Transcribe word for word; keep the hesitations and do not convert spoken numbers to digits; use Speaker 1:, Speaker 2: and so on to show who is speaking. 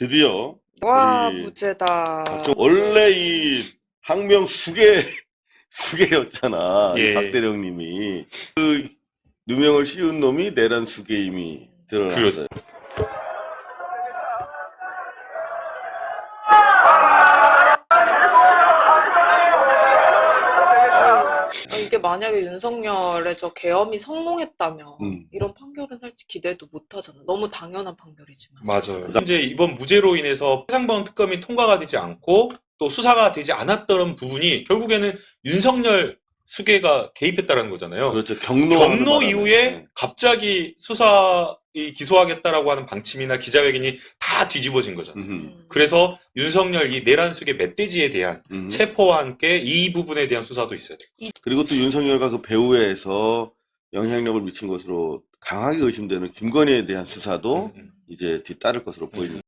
Speaker 1: 드디어
Speaker 2: 와,
Speaker 1: 이
Speaker 2: 무죄다.
Speaker 1: 박정 원래 이 항명 수계 수계였잖아. 이
Speaker 3: 예.
Speaker 1: 박대령님이 그 누명을 씌운 놈이 내란 수계임이 드러났어요.
Speaker 2: 아, 이게 만약에 윤석열의 저 계엄이 성공했다면
Speaker 1: 음.
Speaker 2: 이런 판결은 사실 기대도 못하잖아. 너무 당연한 판결이지만.
Speaker 3: 맞아요. 현재 이번 무죄로 인해서 최상범 특검이 통과가 되지 않고 또 수사가 되지 않았던 부분이 결국에는 윤석열 수계가 개입했다는 거잖아요.
Speaker 1: 그렇죠. 경로
Speaker 3: 경로 이후에 갑자기 수사 이 기소하겠다라고 하는 방침이나 기자회견이 다 뒤집어진 거잖아요.
Speaker 1: 음.
Speaker 3: 그래서 윤석열 이 내란 수계 멧돼지에 대한
Speaker 1: 음.
Speaker 3: 체포와 함께 이 부분에 대한 수사도 있어야 돼요.
Speaker 1: 그리고 또 윤석열과 그 배후에서 영향력을 미친 것으로 강하게 의심되는 김건희에 대한 수사도
Speaker 3: 음, 음.
Speaker 1: 이제 뒤따를 것으로 보입니다.